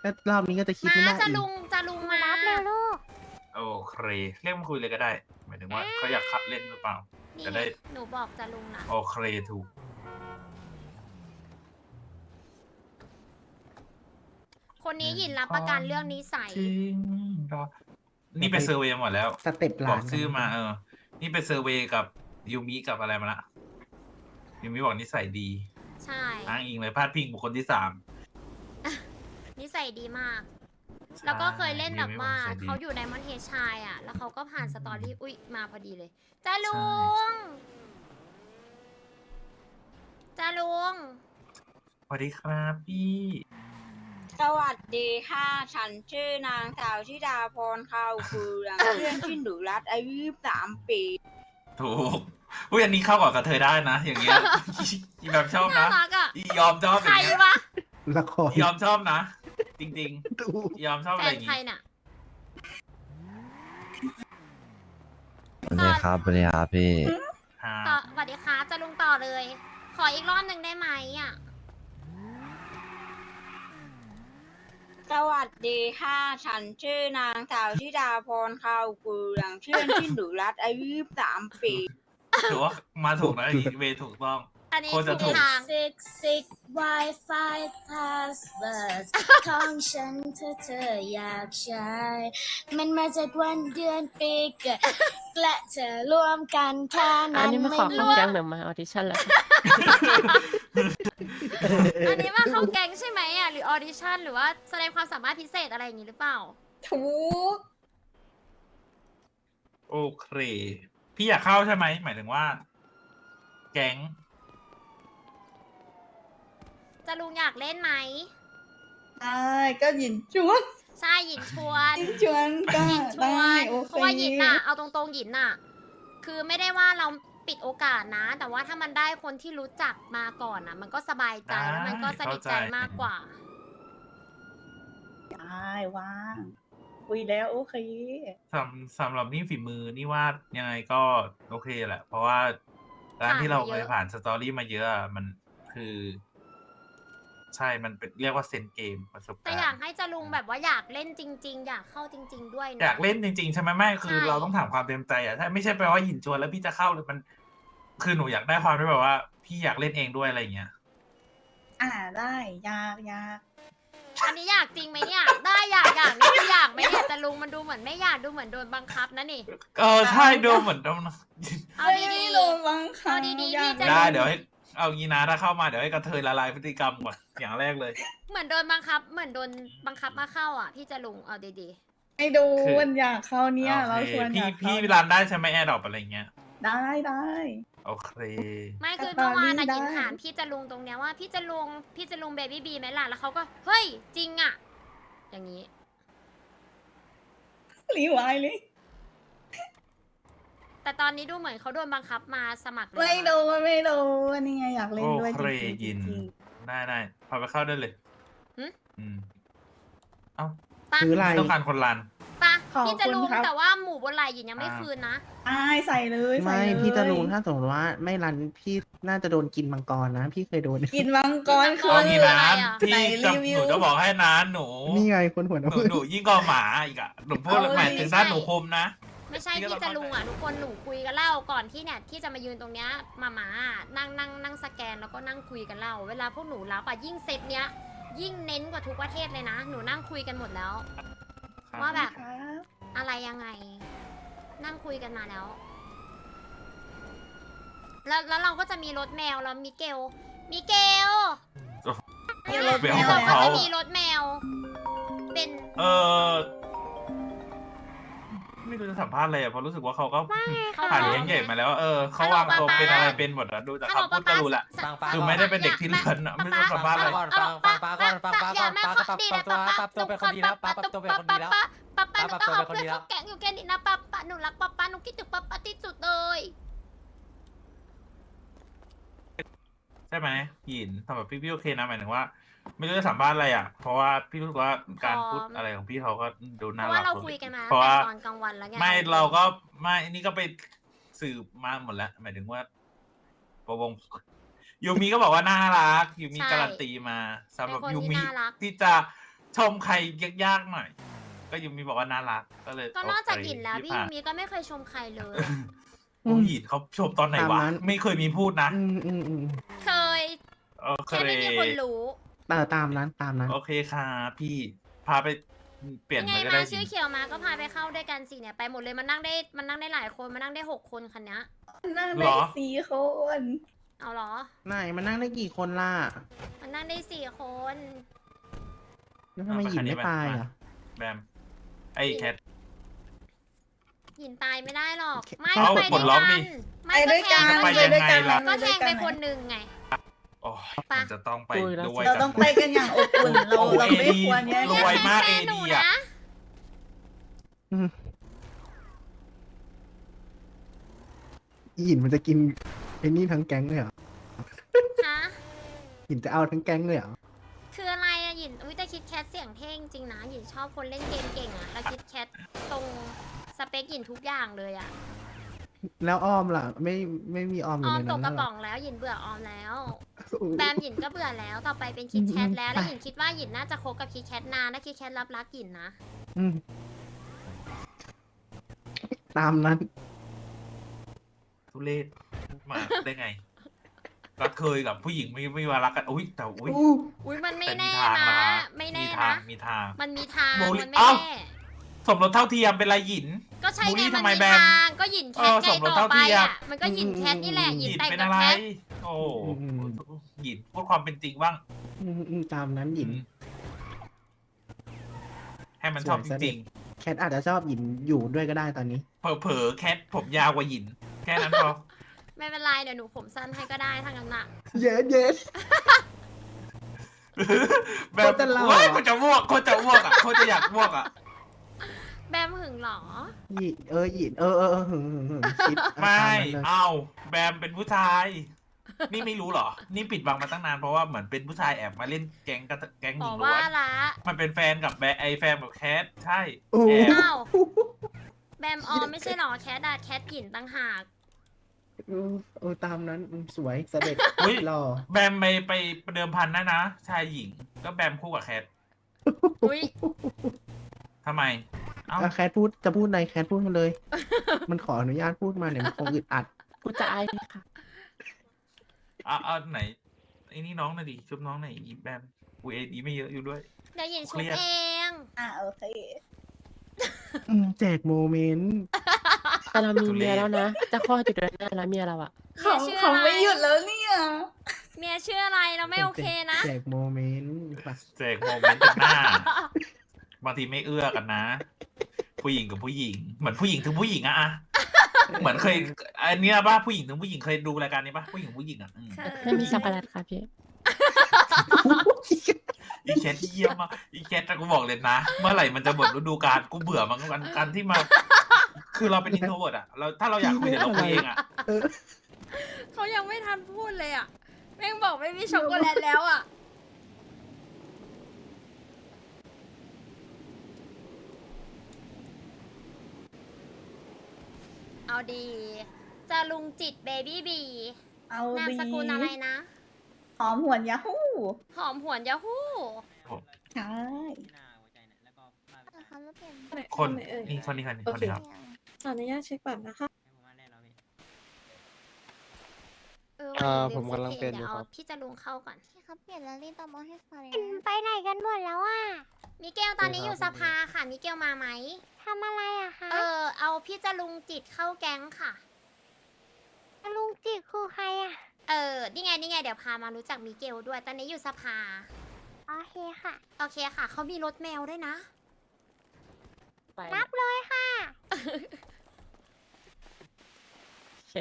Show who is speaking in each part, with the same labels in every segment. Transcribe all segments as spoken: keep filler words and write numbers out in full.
Speaker 1: ก็รอบนี้ก็จะคิด
Speaker 2: มา
Speaker 1: ไม่น่า
Speaker 2: จะ
Speaker 1: อีก
Speaker 2: ลุงจะลุงมา
Speaker 3: รับเร็วลูก
Speaker 4: โอเคเรียกมาคุยเลยก็ได้หมายถึงว่าเขาอยากขับเล่นหรือเปล่า
Speaker 2: นี่
Speaker 4: จะได้
Speaker 2: หนูบอกจะลุงนะ
Speaker 4: โอเคถูก
Speaker 2: คนนี้หยินรับประกันเรื่องนิสัย
Speaker 4: จริงเหรอนี่ไปเซอร์เวย์หมดแล้ว
Speaker 1: สเต็ปห
Speaker 4: บ
Speaker 1: ลา
Speaker 4: อน กชื่อมาเออ นี่ไปเซอร์เวย์กับยูมิกับอะไรมาละยูมิบอกนิสัยดี
Speaker 2: ใช่
Speaker 4: อ้างอิงเลยพาดพิงบุคคลที่สาม
Speaker 2: นิสัยดีมาก แล้วก็เคยเล่นแบบว่า
Speaker 4: ยูมิบอกนิสัยดี
Speaker 2: เขาอยู่ในมอนเทชายอ่ะ แล้วเขาก็ผ่านสตอรี่อุ้ยมาพอดีเลยจ้าลุงจ้าลุง
Speaker 4: สวัสดีครับพี่
Speaker 5: สวัสดีค่ะ ฉันชื่อนางสาวธิดาพรข้าวเฟือง เพื่อนที่หนูรัดอายุยี่สิบสามปี
Speaker 4: ถูกอุ้ยอันนี้เข้ากับกระเทยได้นะ อย่างเงี้ย อีแบบชอบ
Speaker 2: น่า
Speaker 4: นะ
Speaker 2: รักอ่ะ
Speaker 4: อียอมชอบอ
Speaker 2: ใคร
Speaker 4: ย่างเงี้ยว
Speaker 2: ะ
Speaker 1: ละคร
Speaker 4: อียอมชอบนะ จริง
Speaker 1: ดู
Speaker 4: ๆ ยอมชอบ
Speaker 2: แฟ
Speaker 4: อะไรอน ย่าง
Speaker 2: ใคร
Speaker 4: งี้
Speaker 2: น่ะ
Speaker 6: สวัสดีครับสวัสดีครับพี่
Speaker 2: ต่อสวัสดีครับจะลุงต่อเลย ขออีกรอบหนึ่งได้ไหมอ่ะ
Speaker 5: สวัสดีค่ะ ฉันชื่อนางสาวธิดาพรข้าวเฟืองเพื่อนที่หนูรัดอายุยี่สิบสามปี
Speaker 4: ถือว่ามาถูกนะอีเวย์ถูกต้อง
Speaker 2: อันนี้
Speaker 4: โคตรจะถู
Speaker 2: ถู
Speaker 4: ก
Speaker 2: กทาง
Speaker 7: Six six Wi-Fi password ของฉันเธอเธออยากใช้ มันมาจากวันเดือนปีเกิดและเธอรวมกันแค่
Speaker 3: อั
Speaker 7: นั้น น
Speaker 3: นี้มาขอเข้าแก๊งหรือมาออดิชั่นแล้ว
Speaker 2: อันนี้ว่าเข้าแก๊งใช่ไหมอ่ะหรือออดิชั่นหรือว่าแสดงความสามารถพิเศษอะไรอย่างนี้หรือเปล่า
Speaker 5: ถูก
Speaker 4: โอเค พี่อยากเข้าใช่ไหม หมายถึงว่า แก๊ง
Speaker 2: จะลุงอยากเล่นไหม
Speaker 8: ได้ก็หยินชวน
Speaker 2: ใช่หยินชวน
Speaker 8: หยินชวนก็
Speaker 2: หยินชว
Speaker 8: ได้
Speaker 2: น
Speaker 8: โอเค
Speaker 2: เพราะว่าหยินน่ะเอาตรงๆหยินน่ะ คือไม่ได้ว่าเราปิดโอกาสนะ แต่ว่าถ้ามันได้คนที่รู้จักมาก่อนน่ะ มันก็สบายใจแล้วมันก็สนิทใจมากกว่า
Speaker 8: ได้ว่างคุยแล้วโอเค
Speaker 4: สำสำหรับนี่ฝีมือนี่ว่ายังไงก็โอเคแหละ เพราะว่าการที่เราเคยผ่านสตอรี่มาเยอะอะมันคือ ใช่ มันเป็นเรียกว่าเซนเกมประสบ
Speaker 2: แต่
Speaker 4: การ
Speaker 2: อยาก
Speaker 4: ณ์
Speaker 2: ให้จะลุงแบบว่าอยากเล่นจริง ๆ อยากเข้าจริง ๆ ด้วยนะ
Speaker 4: อยากเล่นจริงๆ ใช่ไหมไม่คือ
Speaker 2: ใช่
Speaker 4: เราต้องถามความเต็มใจอ่ะถ้าไม่ใช่แปลว่าหยินชวนแล้วพี่จะเข้าหรือมัน คือหนูอยากได้ความที่แบบว่า พี่อยากเล่นเองด้วยอะไรอย่างเงี้ย
Speaker 8: อ่าได้ยากยาก
Speaker 2: อันนี้อยากจริงไหมเนี่ย ได้อยากอยากนี่คืออยากไหมเนี่ยจะลุงมันดูเหมือนไม่อยากดูเหมือนโดนบังคับนะนี่
Speaker 4: เออใช่ดูเหมือนโดน
Speaker 2: เอา
Speaker 8: ไม่
Speaker 2: ดี
Speaker 8: ได้
Speaker 2: ๆ
Speaker 8: โดนบังคับ
Speaker 2: เอาดีๆ
Speaker 8: ยาก
Speaker 2: พี่จะ
Speaker 4: ได้เดี๋ยวให้เอางี้นะถ้าเข้ามาเดี๋ยวให้กระเทยละลายพฤติกรรมก่อนอย่างแรกเลย
Speaker 2: เหมือนโดนบังคับ เหมือนโดนบังคับมาเข้าอ่ะ พี่จะลุงเอาดี
Speaker 8: ไม่ดู
Speaker 4: คือ
Speaker 8: มันอยากเข้าเนี่ย
Speaker 4: โอ
Speaker 8: เรา
Speaker 4: เค
Speaker 8: ชวนอ
Speaker 4: พี่
Speaker 8: ยากเข้า
Speaker 4: พี่รันได้ใช่ไหมแอร์ดรอปอะไรเงี้ย
Speaker 8: ได้ได้
Speaker 4: โอเค
Speaker 2: ๆ ไม่คือ
Speaker 8: แต่ต
Speaker 2: เมื่
Speaker 8: อน
Speaker 2: อวานอะ
Speaker 8: นี้ได้
Speaker 2: ยินถามพี่จะลุงตรงเนี้ยว่าพี่จะลุงพี่จะลุงเบบี้บีไหมล่ะแล้วเขาก็เฮ้ยจริงอ่ะ อย่างนี้
Speaker 8: รีไวายเลย
Speaker 2: แต่ตอนนี้ดูเหมือนเขาโดนบังคับมาสมัครเลย
Speaker 8: ไม่
Speaker 2: นะ
Speaker 8: ดูไม่ดูนี่ไงอยากเล่น
Speaker 4: โอ
Speaker 8: ด้วย
Speaker 4: เค
Speaker 8: จริงๆ
Speaker 4: ยิน
Speaker 8: จริง
Speaker 4: ได้ได้พาไปเข้าได้เลย
Speaker 2: หึ
Speaker 4: อืมเอ้า
Speaker 2: ปะ
Speaker 1: ถืออะไร
Speaker 4: ต้องการคนรัน
Speaker 2: ปะ
Speaker 8: ขอบ
Speaker 2: พี่จะลุ
Speaker 8: คุ
Speaker 2: ง
Speaker 8: ณครับ
Speaker 2: แต่ว่าหมูบนไหล่หยินยังไม่
Speaker 4: อ่า
Speaker 2: คืนนะ
Speaker 8: ๆอ้ายใส่เลยใส่
Speaker 1: ไม่
Speaker 8: เลย
Speaker 1: พี่จะลุงถ้าสมมติว่าไม่รันพี่น่าจะโดนกินมังกรนะ พี่เคยโดน
Speaker 8: กินมังกรคื
Speaker 2: อ๋
Speaker 4: เอา
Speaker 2: อ
Speaker 8: อ
Speaker 4: งี้นะ
Speaker 2: อะไรอะ
Speaker 4: พี่
Speaker 8: ไหน
Speaker 4: จะ
Speaker 8: รีวิ
Speaker 4: ห
Speaker 8: ว
Speaker 4: นูจะบอกให้นะหนู
Speaker 1: นี่ไงคนหัว
Speaker 4: ห
Speaker 1: น้ำ
Speaker 4: นูหนูยิ่งกว่าหมาอีกอะหนูพูด
Speaker 8: เอา
Speaker 4: หมายถึง
Speaker 2: ไม่ใช่
Speaker 4: ด้านหนูคมนะ
Speaker 2: ไม่ใช่
Speaker 4: พี่ก็
Speaker 2: พี่
Speaker 4: ต้อง
Speaker 2: จะลุงอ่ะ
Speaker 4: เข้าใจ
Speaker 2: ทุกคนหนูคุยกันเล่าก่อนที่เนี่ยที่จะมายืนตรงเนี้ยมาหมานั่งนั่งนั่งสแกนแล้วก็นั่งคุยกันเล่าเวลาพวกหนูรับอ่ะยิ่งเซตเนี้ย ยิ่งเน้นกว่าทุกประเทศเลยนะ หนูนั่งคุยกันหมดแล้ว ว่าแบบ
Speaker 8: ครับ
Speaker 2: อะไรยังไง นั่งคุยกันมาแล้ว แล้วแล้วเราก็จะมีรถแมวแล้วมิเกลมิเกล
Speaker 8: มีรถ
Speaker 4: เบล
Speaker 8: แม
Speaker 2: แล้ว
Speaker 4: ข
Speaker 2: เรา
Speaker 4: อง
Speaker 2: ก็
Speaker 4: เขา
Speaker 2: จะมีรถแมว เป็น
Speaker 4: เออไม่รู้จะสัมภาษณ์อะไรอะเพราะรู้สึกว่าเขาก็
Speaker 2: เขา
Speaker 4: ผ่านเลี้ยงใหญ่มาแล้ว เออเขาวางตัวเป็นอะไรเป็นหมดอะดูจากคำพูดก็รู้แหละ
Speaker 2: ฮัลโหล
Speaker 6: ฟังๆ
Speaker 4: คือไม่ได้เป็นเด็กที่เลือนอะไม่ต้องสัมภาษณ์อะไร
Speaker 6: ก่อนฟังฟังป้าก่อนฟังป้าก่อนป้าก็ปรับตัวปรับตัวเป็นคนดีแล้วป้าปรับตัวเป็นคนดีแล้ว
Speaker 2: ป้าป้าหนู
Speaker 6: ป้า
Speaker 2: ต้อง
Speaker 6: ปรั
Speaker 2: เอา
Speaker 6: บตัวเป็นคน
Speaker 2: เพื่อน
Speaker 6: ดีแล้ว
Speaker 2: เขาแก๊งอยู่แค่นี้นะป้าป้าหนูรักป้าป้าหนูคิดถึงป้าป้าที่สุดเลย
Speaker 4: ใช่ไหมหยินสำหรับพี่พี่โอเคนะหมายถึงว่า ไม่รู้จะสัมภาษณ์อะไรอ่ะ เพราะว่าพี่รู้สึกว่าการพูดอะไรของพี่เขาก็ดู
Speaker 2: เพ
Speaker 4: น่า
Speaker 2: ราะ
Speaker 4: รั
Speaker 2: ว่าก เรา
Speaker 4: สุด
Speaker 2: คุยกันมา
Speaker 4: เพราะ
Speaker 2: ตั้ง
Speaker 4: ว่า
Speaker 2: แต่ตอนกลางวันแล้วไง
Speaker 4: ไม่เราก็ไม่นี่ก็ไปสืบมาหมดแล้ว หมายถึงว่าประวงยูมีก็บอกว่าน่ารักยูมีการันตีมาสำหรับยูมีที่จะชมใครยากๆหน่อย ก็ยูมีบอกว่าน่ารักก็เลย
Speaker 2: ก็นอกจาก
Speaker 4: โเค
Speaker 2: หยินแล้วพี่
Speaker 4: ผ่า
Speaker 2: ยูมิก็ไม่เคยชมใครเลย
Speaker 4: โอ้ยหยินเขาชมตอนไหนวะ
Speaker 1: ตามนั้น
Speaker 4: ไม่เคยมีพูดนะ
Speaker 1: อืมอืมอืม
Speaker 2: เคย
Speaker 4: โอเค
Speaker 2: แค่ไม่มีคนรู้
Speaker 1: เออตามนั้นตามนั้น
Speaker 4: โอเคค่ะพี่พาไปเปลี่ยน
Speaker 2: ยังไง
Speaker 4: ไปก็
Speaker 2: มา
Speaker 4: ได้
Speaker 2: ชื่อเขียวมาก็พาไปเข้าด้วยกันสิเนี่ยไปหมดเลยมันนั่งได้มันนั่งได้หลายคนมันนั่งได้หกคนคันเนี้ย
Speaker 8: นั่งได้สี่คน
Speaker 2: เอาเหรอ
Speaker 1: ไหนมันนั่งได้กี่คนล่ะ
Speaker 2: มันนั่งได้สี่คน
Speaker 1: แล้วทำไมหยินไม่ไปอ่ะ
Speaker 4: แบมไอ้แคท
Speaker 2: หยินตายไม่ได้หรอก
Speaker 1: แค่
Speaker 2: ไม่
Speaker 4: เอา
Speaker 2: ไป
Speaker 4: ปล
Speaker 2: ด้
Speaker 4: ด
Speaker 2: วย
Speaker 4: ล็อก
Speaker 2: กั
Speaker 4: ดิ
Speaker 2: นไม่
Speaker 8: ไป
Speaker 2: ก็
Speaker 8: ด้วย
Speaker 2: แท
Speaker 8: กัน
Speaker 2: ง
Speaker 4: ไป
Speaker 8: ไปด้วยกัน
Speaker 4: ยังไงล่ะ
Speaker 2: ก็
Speaker 8: ไป
Speaker 2: แท
Speaker 8: ด้วย
Speaker 2: ง
Speaker 8: กั
Speaker 2: ไป
Speaker 8: น
Speaker 2: คนหนึ่งไง
Speaker 4: โอ้ย
Speaker 2: ไป
Speaker 4: มันจะต้องไป
Speaker 3: คุยแล้ว
Speaker 4: ด้วย
Speaker 8: เรา
Speaker 4: กั
Speaker 8: ต้องไปกันอย่างอบอุ่นเรา
Speaker 4: โอ้
Speaker 8: เรา
Speaker 4: เอ
Speaker 8: ไม่
Speaker 4: ดี
Speaker 8: ควรแย่ง
Speaker 4: ร
Speaker 8: กัน
Speaker 4: วยมาก
Speaker 2: แฟ
Speaker 4: เอน
Speaker 2: หนู
Speaker 4: ดีอ่ะ
Speaker 2: นะ
Speaker 1: หยินมันจะกินไอ้นี่ทั้งแก๊งเลยเหรอ
Speaker 2: ฮะ
Speaker 1: หยินจะเอาทั้งแก๊งเลยเหรอ
Speaker 2: คืออะไรอะหยินอุ้ยแต่คิดแคทเสียงเท่งจริงนะหยินชอบคนเล่นเกมเก่งอะแล้วคิดแคทตรงสเปคหยินทุกอย่างเลยอะ
Speaker 1: แล้วออมล่ะ ไม่ไม่มีออมอ
Speaker 2: อยู่ อม
Speaker 1: ใน
Speaker 2: ต
Speaker 1: นั้
Speaker 2: ก
Speaker 1: น
Speaker 2: กระ
Speaker 1: เหร
Speaker 2: ป๋
Speaker 1: อ
Speaker 2: องแล้วหยินเบื่อออมแล้ว
Speaker 1: อืม
Speaker 2: แบมหยินก็เบื่อแล้วต่อไปเป็นคิดแคทแล้ว
Speaker 1: อืม
Speaker 2: แล้วหยินคิดว่าหยินน่าจะคบกับคิดแคทนานและคิดแคทรับรักหยินนะ
Speaker 1: อืมตามนั้น
Speaker 4: ทุเรศมาได้ไงก็เคยกับผู้หญิงไม่ไม่ว่ารักกันอุ้ยแต่อุ้ย
Speaker 1: อู้
Speaker 2: อุ้ยมันไม่
Speaker 4: แต่มี
Speaker 2: แน่
Speaker 4: ทาง
Speaker 2: นะ
Speaker 4: นะ
Speaker 2: ไม่
Speaker 4: มี
Speaker 2: แน่
Speaker 4: ทาง
Speaker 2: นะ
Speaker 4: มีทาง
Speaker 2: มันมีทาง
Speaker 4: โมลิ
Speaker 2: มันไม่
Speaker 4: เอ้า
Speaker 2: แน่
Speaker 4: สมรสเท่าเทียมเป็นไรหยิน
Speaker 2: ก็ใช่
Speaker 4: บูลลี่
Speaker 2: ไงมัน
Speaker 4: ทำไม
Speaker 2: มี
Speaker 4: แบม
Speaker 2: ทางก็หยินแคท
Speaker 4: เออ
Speaker 2: ไง
Speaker 4: สมรส
Speaker 2: ต่อ
Speaker 4: เท่า
Speaker 2: ไป
Speaker 4: เทียม
Speaker 2: อ่ะมันก็หยินแคทนี่แหละห
Speaker 4: ห
Speaker 2: ยิน
Speaker 4: ยิน
Speaker 2: แต่ง
Speaker 4: เป็น
Speaker 2: กับ
Speaker 4: อะไร
Speaker 2: แคท
Speaker 4: โอ้
Speaker 1: อืม
Speaker 4: หยินพูดความเป็นจริงบ้าง
Speaker 1: อืมอืมตามนั้นหยิน
Speaker 4: ให้มันชอบ
Speaker 1: ส
Speaker 4: จ
Speaker 1: วยซะ
Speaker 4: ริง
Speaker 1: แคทอาจจะชอบหยินอยู่ด้วยก็ได้ตอนนี้
Speaker 4: ๆเผลอๆแคทผมยาวกว่าหยิน แค่นั้นพอ
Speaker 2: ไม่เป็นไรเดี๋ยวหนูผมสั้นให้ก็ได้ทั้งนั้นน่ะ
Speaker 1: เย็ดเย็ด
Speaker 4: แบบ
Speaker 1: โคตรจะหล่อ
Speaker 4: โอ้ยคนจะอ้วกคนจะอ้วกอ่ะคนจะอยากอ้วกอ่ะ
Speaker 2: แบมหึงเหรอ
Speaker 1: หยินเออหยินเออเออเออหึงหึงหึงคิดเอา
Speaker 4: ไม่
Speaker 1: ตามนั้นเลย
Speaker 4: เอาแบมเป็นผู้ชาย นี่ไม่รู้เหรอ นี่ปิดบังมาตั้งนานเพราะว่าเหมือนเป็นผู้ชายแอบมาเล่นแก๊งกับแก๊งห
Speaker 2: บ
Speaker 4: ญิ
Speaker 2: อก
Speaker 4: งล้
Speaker 2: ว่า
Speaker 4: วน
Speaker 2: ละ
Speaker 4: มันเป็นแฟนกับแบไอแฟนกับแคทใช่
Speaker 1: โอ้
Speaker 4: แอบ
Speaker 2: อ้าว แบมออมไม่ใช่เหรอแคทอะแคทหยินตั้งหาก
Speaker 1: เออเออตามนั้นอืมสวยเสด็จ
Speaker 4: อุ๊ย
Speaker 1: หล่อ
Speaker 4: แบมไปไปเดิมพันนะนะ ชายหญิง ก็แบมคู่กับแคท
Speaker 2: อุ้ย
Speaker 4: ทำไม เอ้า
Speaker 1: อ่ะแคทพูดจะพูดในแคทพูดมาเลย มันขออนุญาตพูดมาเนี่ยมันคงอึดอัด
Speaker 3: กูจะอายไหมค่ะ
Speaker 4: เอาเอาไหนไอ้นี่น้องหน่อยดิชุบน้องหน่อยอีแบมกูเอดีไม่เยอะอยู่ด้วย
Speaker 2: เดี๋ยวหยินชุ
Speaker 4: เครี
Speaker 2: บ
Speaker 4: ยด
Speaker 2: เอง
Speaker 8: อ่ะโอเค
Speaker 1: อืมแจกโมเมนต์
Speaker 3: แต่เรามีเมียแล้วนะ จะคลอดอยู่เดือนหน้าแล้วเมียเราอะ
Speaker 2: เมียชื่อ
Speaker 8: เขา
Speaker 2: อะไร
Speaker 8: ไม่หยุดแล้วเนี่ย
Speaker 2: เมียชื่ออะไรเราไม่โอเคนะ
Speaker 1: แจกโมเมนต์ไป
Speaker 4: แจกโมเมนต์จากหน้า บางทีไม่เอื้อกันนะ ผู้หญิงกับผู้หญิง เหมือนผู้หญิงถึงผู้หญิงอะอะเหมือนเคยอันเนี้ยป่ะผู้หญิงถึงผู้หญิงเคยดูรายการนี้ป่ะผู้หญิงผู้หญิงอะอืม
Speaker 3: ไม่มีช็อกโกแลตค่ะพี่
Speaker 4: อีแคทเยี่ยมมากอีแคทแต่กูบอกเลยนะ เมื่อไหร่มันจะหมดฤดูกาลกูเบื่อมันกันการที่มา คือเราเป็นอินโทรเวิร์ดอะเราถ้าเราอยากคุยเดี๋ยวเราคุยเองอะ
Speaker 1: เออ
Speaker 2: เขายังไม่ทันพูดเลยอ่ะแม่งบอกไม่มีช็อกโกแลตแล้วอ่ะ เอาดี จะลุงจิตเบบี้บี
Speaker 8: เอา
Speaker 2: นาม
Speaker 8: ดี
Speaker 2: สกุลอะไรนะ
Speaker 8: หอมหวนยาฮู้
Speaker 2: หอมหวนยาฮู้
Speaker 8: ใช่
Speaker 4: คนนี่คนนี้คนนี้คนนี้ครับ
Speaker 9: ขออนุญาตเช็คบัตรนะคะ
Speaker 2: เออ
Speaker 10: อ่า
Speaker 2: วันนี้
Speaker 10: ผมกำลัง
Speaker 2: ลื
Speaker 10: เป็น
Speaker 2: ดี๋ยว
Speaker 10: อยู่
Speaker 2: เอา
Speaker 10: ครับ
Speaker 2: พี่จะลุงเข้าก่อน
Speaker 7: พี่ครับเปลี่ยนแล้วรีบตามมาให้ฟังเลย
Speaker 9: ไปไหนกันหมดแล้วอ่ะ
Speaker 2: มิเกลตอนนี้อยู่สภาค่ะ มิเกลมาไหม
Speaker 9: ทำอะไรอะคะ
Speaker 2: เออ เอาพี่จะลุงจิตเข้าแก๊งค่ะ
Speaker 9: ลุงจิตคือใครอะ
Speaker 2: เออ นี่ไง นี่ไง เดี๋ยวพามารู้จักมิเกลด้วย ตอนนี้อยู่สภา
Speaker 9: โอเคค่ะ
Speaker 2: โอเคค่ะ เขามีรถแมวด้วยนะ
Speaker 3: ไป
Speaker 9: รับเลยค่ะ
Speaker 3: โอเค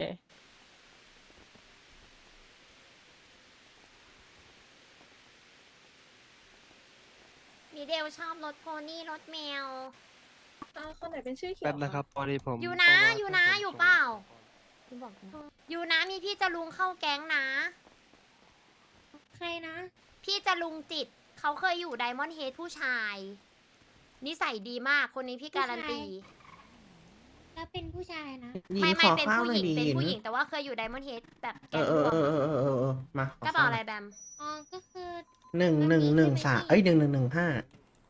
Speaker 2: มิเดลชอบรถโพนี่รถแมว
Speaker 9: อ่าคนไหนเป็นชื่อเขียว
Speaker 10: แป๊บนะครับพอดีผม
Speaker 2: อยู่นะ
Speaker 10: ต้องร
Speaker 2: อยู่นะ
Speaker 10: ให้ผม
Speaker 2: อยู่
Speaker 10: ส่ง
Speaker 2: เปล่าคุณบอกนะอยู่นะ มีพี่จะลุงเข้าแก๊งนะ
Speaker 9: ใครนะ
Speaker 2: พี่จะลุงจิต เขาเคยอยู่ไดมอนด์เฮดผู้ชาย นิสัยดีมาก คนนี้พี่การันตี
Speaker 9: แล้วเป็นผู้ชายนะ
Speaker 1: หญิง
Speaker 2: ไม่
Speaker 1: ข
Speaker 2: ไม่
Speaker 1: อ
Speaker 2: เป็น
Speaker 1: ข้าว
Speaker 2: ผู้
Speaker 1: ห
Speaker 2: ห
Speaker 1: น่อ
Speaker 2: ญิ
Speaker 1: ย
Speaker 2: ง
Speaker 1: ดี
Speaker 2: เป็น
Speaker 1: หญิง
Speaker 2: ผู้หญิงแต่ว่าเคยอยู่ไดมอนด์เฮดแบบ
Speaker 1: เอ
Speaker 2: แก๊
Speaker 1: อง เออ
Speaker 2: รว
Speaker 1: เอ
Speaker 2: ม
Speaker 1: อเออเออเออเออมาข
Speaker 2: กระเป๋า
Speaker 1: ข้ว
Speaker 2: อะไรแบม
Speaker 9: อ๋อ ก็คือ
Speaker 1: หนึ่งหนึ่งหนึ่งสามเอ้ยหนึ่งหนึ่งหนึ่งห้า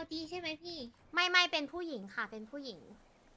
Speaker 9: ดีใช่ไหมพี่
Speaker 2: ไม่ไม่เป็นผู้หญิงค่ะ เป็นผู้หญิง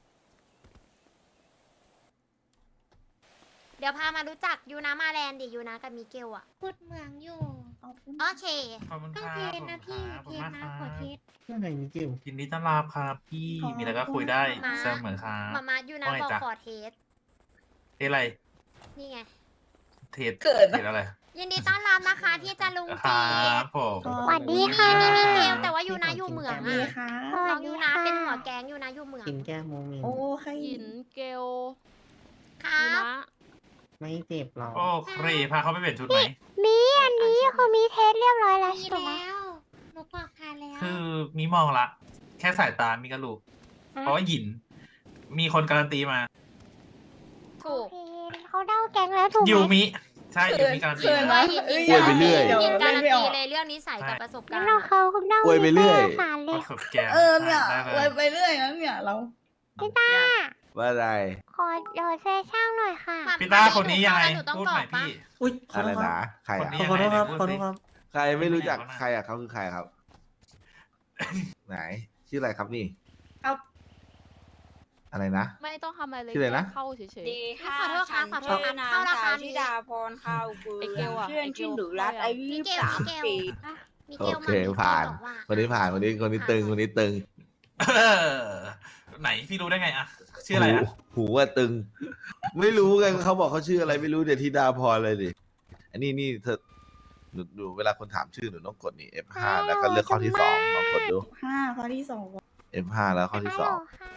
Speaker 2: เดี๋ยวพามารู้จักยูนามาแลนด์ดิยูนากับมิเกลอะ
Speaker 9: พูดเมืองอยู่
Speaker 2: โอเค
Speaker 4: ขอบคุณ
Speaker 9: ต้
Speaker 4: ค
Speaker 9: อง
Speaker 4: รับ
Speaker 9: เทนนะพี่
Speaker 4: ขอบ
Speaker 9: เท
Speaker 4: คุณ
Speaker 9: น
Speaker 4: มาก
Speaker 9: นะครับ ขอเทส
Speaker 1: เรื่องไงมิเกล
Speaker 4: ยินดีต้อนรับครับพี่
Speaker 8: ขอบคุณ
Speaker 4: มีอะไรก็คุยได้
Speaker 2: มา
Speaker 4: เสมอครับ
Speaker 2: มามายูนา
Speaker 4: ว่าไง
Speaker 2: บอก
Speaker 4: จ๊ะ
Speaker 2: ขอเทส
Speaker 4: เทสอะไร
Speaker 2: นี่ไง
Speaker 4: เทส
Speaker 8: เกิด
Speaker 4: เทสอะไร
Speaker 2: ยินดีต้อนรับนะคะที่จะลุง
Speaker 4: ค
Speaker 2: จี
Speaker 4: รับผม
Speaker 8: สวัสดี
Speaker 2: นี่
Speaker 8: ค่ะ
Speaker 2: นี่มิเกลแต่ว่ายูนาอยู่เหมือง
Speaker 8: ดี
Speaker 2: อะ
Speaker 8: ค่ะ
Speaker 2: น้องยูนาเป็นหัวแก๊งยูนาอยู่เหมือง
Speaker 1: กินแก้มโมเมน
Speaker 8: โอ้ใคร
Speaker 3: หยินเกล
Speaker 2: ครับ
Speaker 1: ไม่เจ็บหรอก
Speaker 4: โอเคพาเขาไปเปลี่ยนชุดไหม
Speaker 9: มีอันนี้คือมีเทสเรียบร้อยแล้วมีแล้วหนูกรอกผ่านแล้ว
Speaker 4: คือมีมองละ แค่สายตามีกระลูกเพราะว่าหยิน มีคนการันตีมา
Speaker 2: ถูก
Speaker 9: เขาเดาแก๊งแล้วถูกไหม
Speaker 4: ยูมิ ใช่ยูมิการันตี
Speaker 8: เขิน
Speaker 4: มา
Speaker 8: นะ
Speaker 2: ยิน
Speaker 8: เอ้ย
Speaker 2: ยิน
Speaker 10: อวยไปเรื่อย
Speaker 2: ยินการัน
Speaker 8: ไม่อ
Speaker 2: ตี
Speaker 8: อก
Speaker 2: เลยเรื่องนิสัยกับประสบการณ์
Speaker 9: เราเขาเดา
Speaker 10: อวยไปเรื่อย
Speaker 9: ผ่านเล
Speaker 4: ป
Speaker 9: ย
Speaker 4: ระสบแกน
Speaker 8: เออเนี่ย
Speaker 4: ได้
Speaker 8: อ
Speaker 4: เล
Speaker 8: วย ยไปเรื่อยนะเนี่ยเรา
Speaker 9: พี่ต้า
Speaker 10: ว่าอะไร
Speaker 9: ขอเดี๋ยวเซช่างหน่อยค่ะ
Speaker 2: มา
Speaker 4: พี่ต้าคนนี้ยังไง
Speaker 2: หนูต้อง
Speaker 4: พูด
Speaker 2: กร
Speaker 4: ห
Speaker 2: อ
Speaker 4: น่อก ย
Speaker 2: ปะ
Speaker 4: พี่
Speaker 1: อุ้ยขอ
Speaker 10: อะไร
Speaker 1: โทษค
Speaker 10: นะ
Speaker 1: รับ
Speaker 10: ใครอ่ะ
Speaker 4: คนนี้
Speaker 1: ขอโทษครับ
Speaker 4: ยังไง
Speaker 1: ขอโทษ
Speaker 4: พูดสิ
Speaker 1: ครับ
Speaker 10: ใครไม่รู้จักใครอ่ะเขาคือใครครับ ไหน ชื่ออะไรครับนี่
Speaker 8: ครับ
Speaker 10: อะไรนะ
Speaker 3: ไม่ต้องทำอะไรเลย
Speaker 10: ชื่ออะไรนะ
Speaker 3: แค่เข้าเฉย
Speaker 5: ดีค่ะ
Speaker 2: ขอโทษครับ
Speaker 5: ฉัน
Speaker 2: ขอโทษ
Speaker 5: ชื่
Speaker 2: ครั
Speaker 5: อบ นาง
Speaker 2: เข้ารา
Speaker 5: สา
Speaker 2: คาว
Speaker 5: ธิ
Speaker 2: นี้
Speaker 5: ดาพรข้าวเกลื
Speaker 3: ไอ้เกล
Speaker 5: อ
Speaker 3: อะ
Speaker 5: เพื่อน
Speaker 3: ไอ้เกล
Speaker 5: ที่หนูรักอายุ
Speaker 2: มิ
Speaker 5: ยี่
Speaker 2: เก
Speaker 5: สิ
Speaker 2: ล
Speaker 5: บสาม
Speaker 2: มิเกล
Speaker 5: ปี
Speaker 2: มิ
Speaker 10: โอ
Speaker 2: เกล
Speaker 10: เค
Speaker 2: มา
Speaker 10: ผ่าน
Speaker 2: บอกว่า
Speaker 10: คนนี้ผ่านคนนี้คนนี้ตึงคนนี้ตึง
Speaker 4: เออไหนพี่รู้ได้ไงอะชื่ออะไรอะ
Speaker 10: หูหูว่าตึง ไม่รู้ไงเขาบอกเขาชื่ออะไรไม่รู้เดี๋ยวธิดาพรเลยดิ อันนี้นี่เธอหนูดูเวลาคนถามชื่อหนูต้องกดนี่ เอฟ ห้า แล้วก็เลือกข้อที่สองลองกดดู
Speaker 8: ห้าข้อที่สอง
Speaker 10: เอฟ ห้า แล้วข้อที่สอง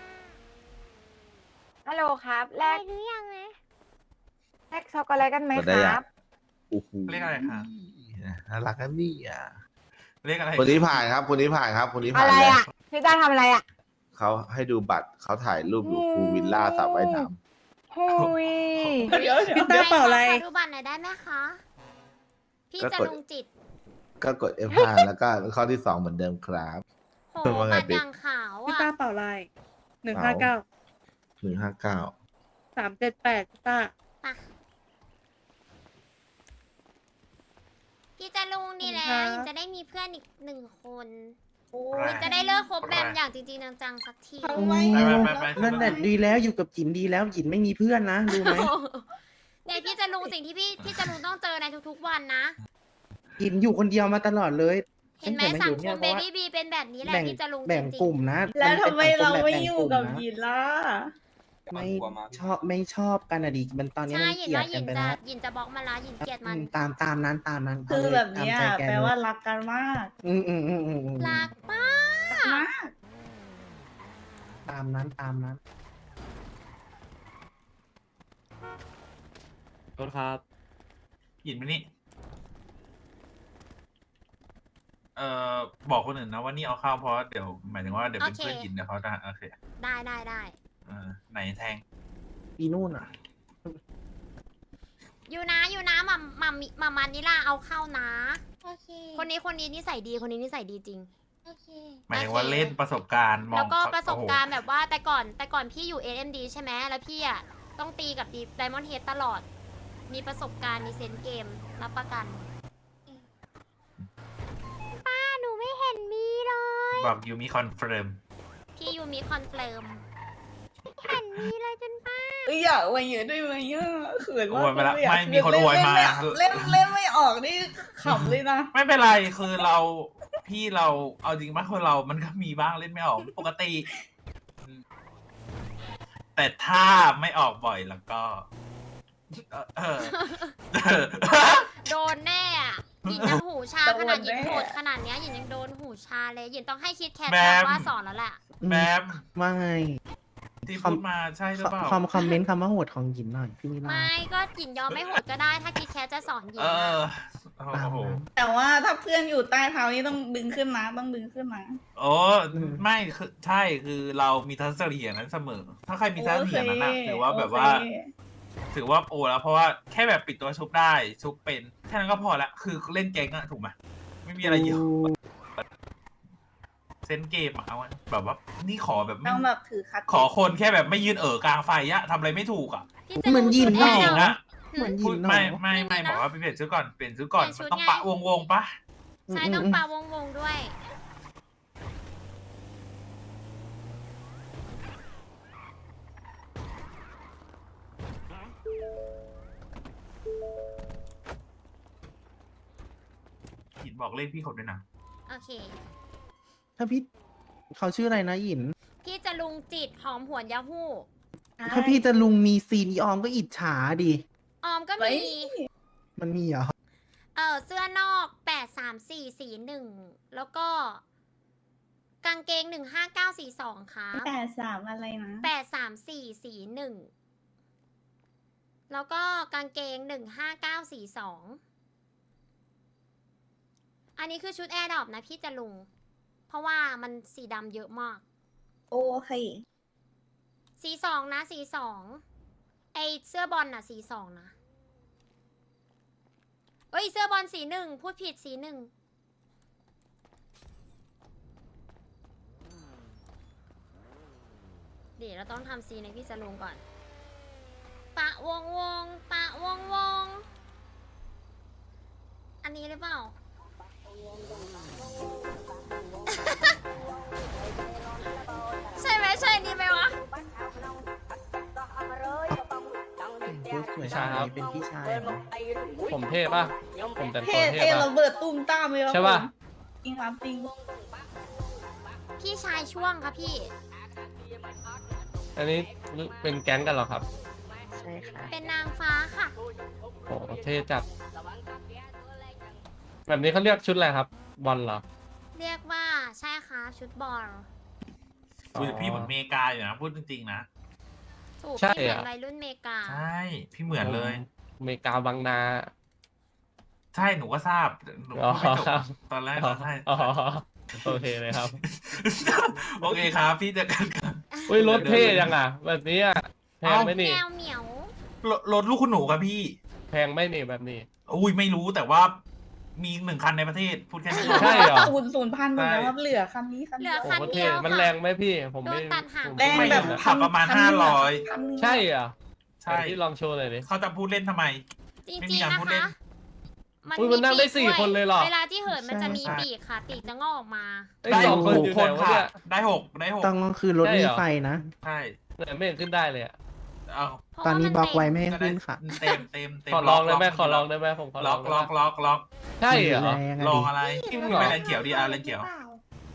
Speaker 9: ฮัลโหลครับแลกหรือยังนะแลกช็อกโกแลตกันไหม
Speaker 10: กดได้
Speaker 9: ค
Speaker 10: ยั
Speaker 9: รั
Speaker 10: ง
Speaker 9: บ
Speaker 10: โอ้โห
Speaker 4: เรียกอะไรครับ
Speaker 10: น่ารักนะนี่อ่ะ
Speaker 4: เรียกอะไร
Speaker 10: คนนี้ผ่านครับ คนนี้ผ่านครับ คนนี้ผ่า
Speaker 9: อะ
Speaker 10: น
Speaker 9: ไร
Speaker 10: เลย
Speaker 9: อ่ะ พี่ต้าทำอะไรอ่ะ
Speaker 10: เขาให้ดูบัตรเขาถ่ายรูปอยู่ภูวิลล่าสระว่ายน้
Speaker 9: หุย
Speaker 8: เดี๋ยวเดี๋ยว
Speaker 2: พี่ต้าเป่าอะไรขอดูบัตรหน่อยได้ไหมคะ พี่จะลุงจิต
Speaker 10: ำก็กด เอฟ ห้า แล้วก็ข้อที่สองเหมือนเดิมครับ
Speaker 2: โห
Speaker 10: ว่าไง
Speaker 2: บัตร
Speaker 10: ปิ๊ก
Speaker 2: อย่างขาว
Speaker 8: พี่
Speaker 2: อ่ะ
Speaker 8: ต้าเป่าลายหนึ่งห้าเก้า
Speaker 10: หนึ่งห้าเก้า
Speaker 8: สามเจ็ดแปดพี่ต้า
Speaker 2: มาพี่จะลุงดีแล้
Speaker 8: ครั
Speaker 2: ว
Speaker 8: บ
Speaker 2: ยินจะได้มีเพื่อนอีกหนึ่งคน
Speaker 8: โอ้
Speaker 2: ยินจะได้เลิกคบแบมอย่างจริงๆจังๆสักที
Speaker 8: ทำไม
Speaker 4: ไปไปไปไป
Speaker 1: นั่นแหละดีแล้วอยู่กับหยินดีแล้วหยินไม่มีเพื่อนนะรู้ไหม
Speaker 2: เนี่ยพี่จะลุงสิ่งที่พี่พี่จะลุงต้องเจอในทุกๆวันนะ
Speaker 1: หยินอยู่คนเดียวมาตลอดเลย
Speaker 2: เห็นไหม
Speaker 1: ตั้
Speaker 2: สัง
Speaker 1: แต่า
Speaker 2: ค
Speaker 1: อยู่
Speaker 2: ม
Speaker 1: เนี่ย
Speaker 2: เบบี้บีเป็นแบบนี้แหละ
Speaker 1: แบ่ง
Speaker 2: พี่จะลุงจ
Speaker 1: แบ่ง
Speaker 2: ริ
Speaker 1: กลุ่
Speaker 2: ง
Speaker 1: มนะ
Speaker 8: แล้วทำไมเราไม่
Speaker 1: น
Speaker 8: อยู่
Speaker 1: ป็น
Speaker 8: กับ
Speaker 1: สังคมแบบแบ่งกลุ่มนะ
Speaker 8: ยินล่ะ
Speaker 1: ไม่ชอบไม่ชอบกันอะดิมันตอน
Speaker 2: ๆ
Speaker 1: นี้
Speaker 2: ใช่
Speaker 1: มัน
Speaker 2: ยิน
Speaker 1: เกลียด
Speaker 2: ว่ายิ
Speaker 1: กัน
Speaker 2: น
Speaker 1: ไป
Speaker 2: จะ
Speaker 1: แล้ว
Speaker 2: ยินจะบล็อกมาละยินเกลียดมัน
Speaker 1: อืมตามตามนั้นตามนั้น
Speaker 8: คือ
Speaker 1: เาเลย
Speaker 8: แบบเนี้ย
Speaker 1: ตามใจก
Speaker 8: แปล
Speaker 1: เย
Speaker 8: ว่ารักกันมาก
Speaker 1: อืมอืมอืมอืมอืม
Speaker 2: รักมาก
Speaker 8: มาก
Speaker 1: ตามนั้นตามนั้น
Speaker 6: โทษครับ
Speaker 4: หยินมานี่ เอ่อ บอกคนอื่นนะว่านี่เอาเข้าเพราะเดี๋ยวหมายถึงว่าเดี๋ยวเป็นเพื่อนหยินเดี๋ยวเขาจะโอเค
Speaker 2: ได้ได้ได้
Speaker 4: เออไหนแทง
Speaker 1: อีนู่นอ่ะ
Speaker 2: อยู่นะอยู่นะมัมมัมมัมมันนิลาเอาเข้านะ
Speaker 9: โอเค
Speaker 2: คนนี้คนนี้นิสัยดีคนนี้นิสัยดีจริง
Speaker 9: โอเค
Speaker 4: หมายถึงว่าเล่นประสบการณ์มอง
Speaker 2: แล้วก็
Speaker 4: เขา
Speaker 2: ประสบการณ์
Speaker 4: โอ้โห
Speaker 2: แบบว่าแต่ก่อนแต่ก่อนพี่อยู่ เอ็ม ดี ใช่ไหมแล้วพี่อ่ะต้องตีกับดีไดมอนด์เฮดตลอด มีประสบการณ์มีเซนส์เกมรับประกัน
Speaker 9: ป้าหนูไม่เห็นมีเลย
Speaker 4: บอกยูมีคอนเฟิร์ม
Speaker 2: พี่ยูมีคอนเฟิร์ม
Speaker 9: เห็นมีเลยจนป้า
Speaker 8: เอ้ยอยากอวยเยอะด้วยไหมอ่ะเขิน
Speaker 4: โอ
Speaker 8: มาก
Speaker 4: วยไปแล้ว
Speaker 8: เลยอะ
Speaker 4: ไม่มีคนอวยมา
Speaker 8: เล่นเล่นไม่ออกนี่ขำเลยนะ
Speaker 4: ไม่เป็นไรคือเราพี่เราเอาจริงป่ะคนเรามันก็มีบ้างเล่นไม่ออกปกติอืมแต่ถ้าไม่ออกบ่อยแล้วก็ เออเออเออ
Speaker 2: โดนแน่อะหยินยังหูชา
Speaker 8: โดน
Speaker 2: ขนาดหยิน
Speaker 8: แน่
Speaker 2: โหดขนาดเนี้ยหยินยังโดนหูชาเลยหยินต้องให้คิดแคท
Speaker 4: แบม
Speaker 2: ว่าสอนแล้วแหละ
Speaker 4: แบม
Speaker 1: ว่าไง
Speaker 4: ที่พูดมาใช่หรือเปล่า
Speaker 1: คอมคอมเมนต์คำว่าโหดของหยินหน่อยพี่นิลา
Speaker 2: ไม่ก็หยินยอมไม่โหดก็ได้ถ้าคิดแคทจะสอนหยิน
Speaker 4: เอ
Speaker 2: อะ
Speaker 4: อ โอ้
Speaker 1: ตาม
Speaker 4: โห
Speaker 1: นั้น
Speaker 8: แต่ว่าถ้าเพื่อนอยู่ใต้เท้านี่ต้องดึงขึ้นนะต้องดึงขึ้นนะ
Speaker 4: โอ้ไม่คือใช่คือเรามีทัศนคติอย่างนั้นเสมอ ถ้าใครมีทัศนคติอย่างนั้นอะถือว่าแบบว่า
Speaker 8: โอเค
Speaker 4: ถือว่าโอแล้วเพราะว่าแค่แบบปิดตัวชุบได้ชุบเป็นแค่นั้นก็พอละคือเล่นเก่งอะถูกไหมไม่มีอะไรเยอะเซนเกมอะเอาอะแบบว่านี่ขอแบบไม่
Speaker 8: ต้องแบบถือคัด
Speaker 4: ขอคนแค่แบบไม่ยืนเอ๋อกลางไฟอะทำอะไรไม่ถูกอะ
Speaker 2: พี่จะ
Speaker 1: เหมือนหยิน
Speaker 2: รู้
Speaker 1: เนา
Speaker 4: ผู้หญิง
Speaker 2: แล้
Speaker 4: อะ
Speaker 2: ว
Speaker 1: เหมือนหยิ
Speaker 4: พูด
Speaker 1: นเนาะ
Speaker 4: ไม่ไม่
Speaker 2: ไม่
Speaker 4: ไม่
Speaker 2: มีนะ
Speaker 4: บอกว่าไปเปลี่ยนชุดก่อนเปลี่ยนชุดก่อน
Speaker 2: เปลี่ยนชุ
Speaker 4: มั
Speaker 2: ด
Speaker 4: นต้อง
Speaker 2: ไง
Speaker 4: ปะวงวงๆปะ
Speaker 2: ใช่ต้องปาวงวงด้วย
Speaker 4: บอกเลขพี่เขาด้วยนะ
Speaker 2: โอเค
Speaker 1: ถ้าพี่เขาชื่ออะไรนะหยิน
Speaker 2: พี่จะลุงจิตหอมหวนยาฮู้
Speaker 1: ถ้าพี่จะลุงมีซีนอีออมก็อิจฉาดิ
Speaker 2: ออมก็
Speaker 8: ไว้
Speaker 2: มี
Speaker 1: มันมีเหรอ
Speaker 2: เออเสื้อนอกแปดสามสี่สี่หนึ่งแล้วก็ กางเกงหนึ่งห้าเก้าสี่สองครับ
Speaker 8: แปดสามอะไรนะ
Speaker 2: แปดสามสี่สี่หนึ่งแล้วก็กางเกงหนึ่งห้าเก้าสี่สองอันนี้คือชุดแอร์ดรอปนะพี่จะลุง เพราะว่ามันสีดำเยอะมาก
Speaker 8: โอเค
Speaker 2: สีสองนะสีสองไอเสื้อบอลน่ะสีสองนะเอ้ยเสื้อบอลสีหนึ่งพูดผิดสีหนึ่งเดี๋ยวเราต้องทำซีในพี่จะลงก่อน ปะวงวงปะวงวงอันนี้หรือเปล่า ใช่ไหมใช่อันนี้ไหมวะ
Speaker 1: พูดสวย
Speaker 6: ใช่ครับ
Speaker 1: เป็นพี่ชายเหรอ
Speaker 6: ผมเท่ป่ะ ผมแต่ง
Speaker 8: เท่
Speaker 6: ตัวเท่
Speaker 8: เท่
Speaker 6: ป่ะ
Speaker 8: ระเบิดตุ้มตามเลยครับ
Speaker 6: ใช่ป่ะ
Speaker 8: ผมจริงครับจริง
Speaker 2: พี่ชายช่วงครับพี่
Speaker 6: อันนี้เป็นแก๊งกันเหรอครับ
Speaker 1: ใช่ค่ะ
Speaker 2: เป็นนางฟ้าค่ะ
Speaker 6: โอ้เท่จัด แบบนี้เขาเรียกชุดอะไรครับ บอลเหรอ
Speaker 2: เรียกว่าใช่ค่ะชุดบอล
Speaker 4: คุยกับพี่เหมือนเมกาอยู่นะพูดจริงๆนะ
Speaker 2: ถูก
Speaker 6: ใช่
Speaker 2: พี่เหมือน
Speaker 6: อะ
Speaker 2: วัยรุ่นเมกา
Speaker 4: ใช่พี่เหมือนเลย
Speaker 6: อเมริกาบางนา
Speaker 4: ใช่หนูก็ทราบหนู
Speaker 6: อ๋อ
Speaker 4: พูดไม่จบ
Speaker 6: ครับ
Speaker 4: ตอนแรก
Speaker 6: อ๋อ
Speaker 4: ใช่
Speaker 6: อ๋อโอเคเลยครับ
Speaker 4: โอเคครับพี่เจะกันกัน
Speaker 6: อุ้ยรถเท่ยังอ่ะ แบบนี้อ่ะแพงไหม
Speaker 2: แม
Speaker 6: นี่
Speaker 2: วเหมียว
Speaker 4: รถรถลูกคุณหนูครับพี่
Speaker 6: แพงไหมนี่แบบนี้
Speaker 4: อุ้ยไม่รู้แต่ว่ามีหนึ่งคันในประเทศพูดแค่นี้
Speaker 6: ใช่เหรอ
Speaker 8: ศูนย์ศูนย์พันหมดแล้วครับเหลือคันนี้คัน
Speaker 2: เหลื
Speaker 8: เดี
Speaker 2: อ
Speaker 8: ยว
Speaker 2: คัน
Speaker 6: โอ้โห
Speaker 2: เดี
Speaker 6: เท่
Speaker 2: ยว
Speaker 6: มัน
Speaker 2: ค่ะ
Speaker 6: แรงไหมพี่ ผมไม่
Speaker 2: โดนตัดหาง
Speaker 6: ผม
Speaker 8: แรง
Speaker 6: ไม่
Speaker 8: แบบ
Speaker 6: รู้นะ
Speaker 4: ขับประมาณ
Speaker 8: คัน
Speaker 4: ห้า
Speaker 8: นึง
Speaker 4: ร้อย
Speaker 8: คันนึง
Speaker 6: ใช่เหรอ
Speaker 4: ใช่
Speaker 6: ไหนพี่ลองโชว์หน่อยดิ
Speaker 4: เขาจะพูดเล่นทำไม
Speaker 2: จริ
Speaker 4: ไม่
Speaker 2: ง
Speaker 4: มี
Speaker 2: ๆ
Speaker 4: การ
Speaker 2: นะ
Speaker 4: พูดเล่
Speaker 2: คะ
Speaker 4: น
Speaker 6: อุ๊ยมันนั่งได้สี่
Speaker 2: ปีก
Speaker 6: คนเลยเหรอ
Speaker 2: เวลาที่เหินมันจะมี
Speaker 4: ใช่
Speaker 2: ปีกค่ะ ปีกจะงอกออกมา
Speaker 6: ไอ้ยสองคนอยู่ไหนวะเนี่ย
Speaker 4: ได้หกได้หก
Speaker 1: ต้องคือรถ
Speaker 6: ใช่
Speaker 1: มี
Speaker 6: เหรอ
Speaker 1: ไฟนะ
Speaker 4: ใช่
Speaker 6: ไหนไม่เห็นขึ้นได้เลยอ่ะ
Speaker 4: เอา
Speaker 2: เพราะ
Speaker 1: ตอนนี้
Speaker 2: ว่า
Speaker 1: บล็อก
Speaker 2: มั
Speaker 1: ไว้
Speaker 2: เต็ม
Speaker 1: ไม่ให้
Speaker 4: จะได้
Speaker 1: ขึ้นค่ะ
Speaker 4: เต็มเต็มเต็ม
Speaker 6: ขอลองได้ไหม
Speaker 4: ล็ก
Speaker 6: ขอลองได้ไหมผมขอล
Speaker 4: ล็
Speaker 6: อ
Speaker 4: อง ก
Speaker 6: ได้
Speaker 4: ล็
Speaker 6: ไหม
Speaker 4: อกล็อกล็อก
Speaker 6: ใช่เหรอ
Speaker 1: แรงอะ
Speaker 4: ลอง
Speaker 1: ดิ
Speaker 4: อะไร
Speaker 6: จริงเหรอ
Speaker 4: ไม่แรงเขียวดีอาร์แรงเขียว